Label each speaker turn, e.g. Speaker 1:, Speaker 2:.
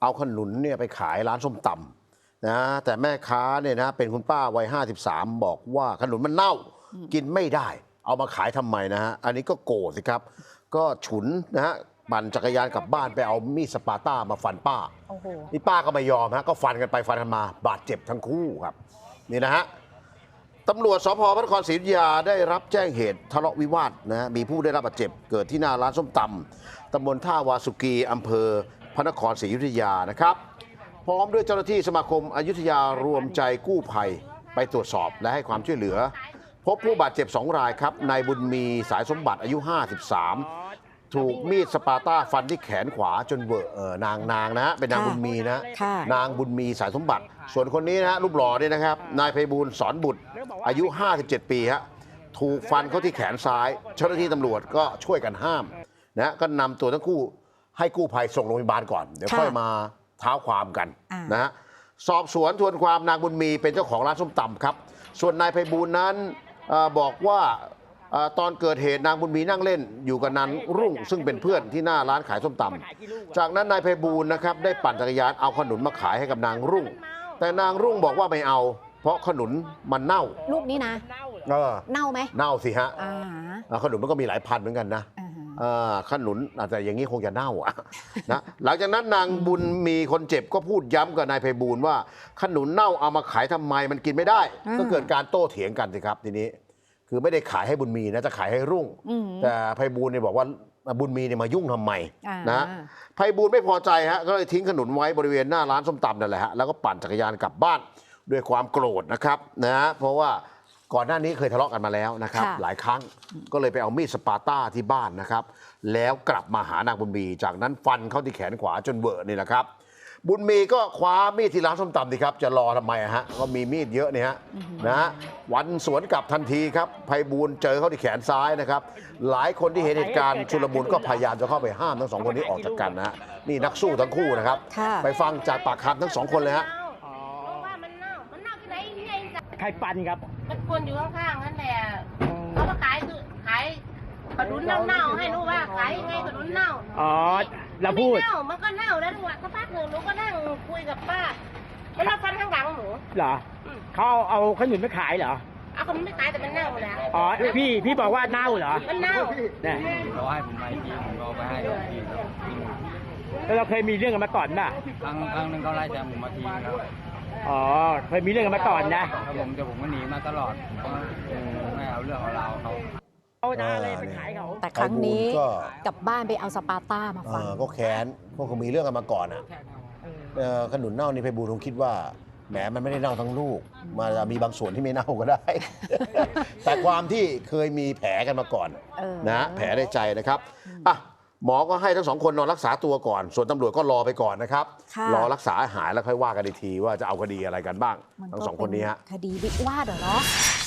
Speaker 1: เอาขนุนเนี่ยไปขายร้านส้มตำนะแต่แม่ค้าเนี่ยนะเป็นคุณป้าวัย53บอกว่าขนุนมันเน่ากินไม่ได้ เอามาขายทำไมนะฮะอันนี้ก็โกรธสิครับก็ฉุนนะฮะปั่นจักรยานกลับบ้านไปเอามีดสปาต้ามาฟันป้านี่ป้าก็ไม่ยอมฮะก็ฟันกันไปฟันกันมาบาดเจ็บทั้งคู่ครับนี่นะฮะตำรวจสพพระนครศรีอยุธยาได้รับแจ้งเหตุทะเลาะวิวาทนะมีผู้ได้รับบาดเจ็บเกิดที่หน้าร้านส้มตำตำบลท่าวาสุกีอำเภอพระนครศรีอยุธยานะครับพร้อมด้วยเจ้าหน้าที่สมาคมอยุธยารวมใจกู้ภัยไปตรวจสอบและให้ความช่วยเหลือพบผู้บาดเจ็บ2 รายครับนายบุญมีสายสมบัติอายุ53ถูกมีดสปาต้าฟันที่แขนขวาจนเวอะนางนะเป็นนางบุญมีนะนางบุญมีสายสมบัติส่วนคนนี้นะฮะรูปหล่อเนี่ยนะครับนายไพบูลย์สอนบุตรอายุ57 ปีฮะถูกฟันเข้าที่แขนซ้ายเจ้าหน้าที่ตำรวจก็ช่วยกันห้ามนะก็นำตัวทั้งคู่ให้กู้ภัยส่งโรงพยาบาลก่อนเดี๋ยวค่อยมาเท้าความกันนะฮะสอบสวนทวนความนางบุญมีเป็นเจ้าของร้านส้มตำครับส่วนนายไพบูลย์นั้นบอกว่าตอนเกิดเหตุนางบุญมีนั่งเล่นอยู่กับนางรุ่งซึ่งเป็นเพื่อนที่หน้าร้านขายส้มตำจากนั้นนายไพบูลย์นะครับได้ปั่นจักรยานเอาขนุนมาขายให้กับนางรุ่งแต่นางรุ่งบอกว่าไม่เอาเพราะขนุนมันเน่า
Speaker 2: ลูกนี้นะเน่าไหม
Speaker 1: เน่าสิฮะขนุนมันก็มีหลายพันเหมือนกันนะขนุนแต่อย่างนี้คงจะเน่านะหลังจากนั้นนางบุญมีคนเจ็บก็พูดย้ำกับนายไพบูลย์ว่าขนุนเน่าเอามาขายทำไมมันกินไม่ได้ก็เกิดการโต้เถียงกันสิครับทีนี้คือไม่ได้ขายให้บุญมีนะจะขายให้รุ่งแต่ไพบูลย์เนี่ยบอกว่าบุญมีเนี่ยมายุ่งทำไมนะไพบูลย์ไม่พอใจฮะก็เลยทิ้งขนุนไว้บริเวณหน้าร้านส้มตำนั่นแหละฮะแล้วก็ปั่นจักรยานกลับบ้านด้วยความโกรธนะครับนะเพราะว่าก่อนหน้านี้เคยทะเลาะกันมาแล้วนะครับหลายครั้งก็เลยไปเอามีดสปาต้าที่บ้านนะครับแล้วกลับมาหานางบุญมีจากนั้นฟันเข้าที่แขนขวาจนเวอะนี่แหละครับบุญมีก็คว้ามีดที่ร้านส้มตำดิครับจะรอทำไมฮะก็มีมีดเยอะเนี่ยฮะนะฮะวันสวนกลับทันทีครับไพบูลย์เจอเขาที่แขนซ้ายนะครับหลายคนที่เห็นเหตุการณ์ชุลมุนก็พยายามจะเข้าไปห้ามทั้ง2 คนนี้ออกจากกันนะฮะนี่นักสู้ทั้งคู่นะครับไปฟังจากปากคำทั้ง2 คนเลยฮะ
Speaker 3: ใครปั่นครับ
Speaker 4: มันคนอยู่ข้างๆนั่นแหละเขามาขายขนุนเน่าๆให้รู้ว่าขายยังไงขนุนเน่า
Speaker 3: อ๋อเราพูด
Speaker 4: มันก็เน่าแล้วด้วยสักพักหนึ่งหนูก็นั่งคุยกับป้าแล้วเราฟันข้างหลังหนู
Speaker 3: เหรอเขาเอาขนุนไปขายเหรอ
Speaker 4: เอาขนุนไม่ขายแต่มันเน่าแล้ว
Speaker 3: อ๋อพี่บอกว่าเน่าเหรอ
Speaker 4: มันเน่า
Speaker 3: เนี่ย
Speaker 5: เราให้ผมไปทีผมก็ไปให้ทีครับ
Speaker 3: แล้วเราเคยมีเรื่องกันมาก่อนป่ะ
Speaker 5: ครั้งนึงเขาไล่แซงผมมาทีครับ
Speaker 3: อ๋อเคยมีเรื่องกันมาก่อน
Speaker 5: นะครับผมก็หนีมาตลอดไม่เอาเรื่องเอาราวเขา
Speaker 3: ไปขายเขา
Speaker 2: แต่ครั้งนี้กลับบ้านไปเอาสปาต้ามาฟัน
Speaker 1: ก็แค้นพวกเขามีเรื่องกันมาก่อนอ่ะขนุนเน่านี่ไพบูลย์คงคิดว่าแหมมันไม่ได้เน่าทั้งลูกมาจะมีบางส่วนที่ไม่เน่าก็ได้ แต่ความที่เคยมีแผลกันมาก่อนนะแผลในใจนะครับหมอก็ให้ทั้ง2 คนนอนรักษาตัวก่อนส่วนตำรวจก็รอไปก่อนนะครับรอรักษาหายแล้วค่อยว่ากันอีกทีว่าจะเอาคดีอะไรกันบ้างทั้ง2 คนนี้ฮะ
Speaker 2: คดีวิวาทเหรอ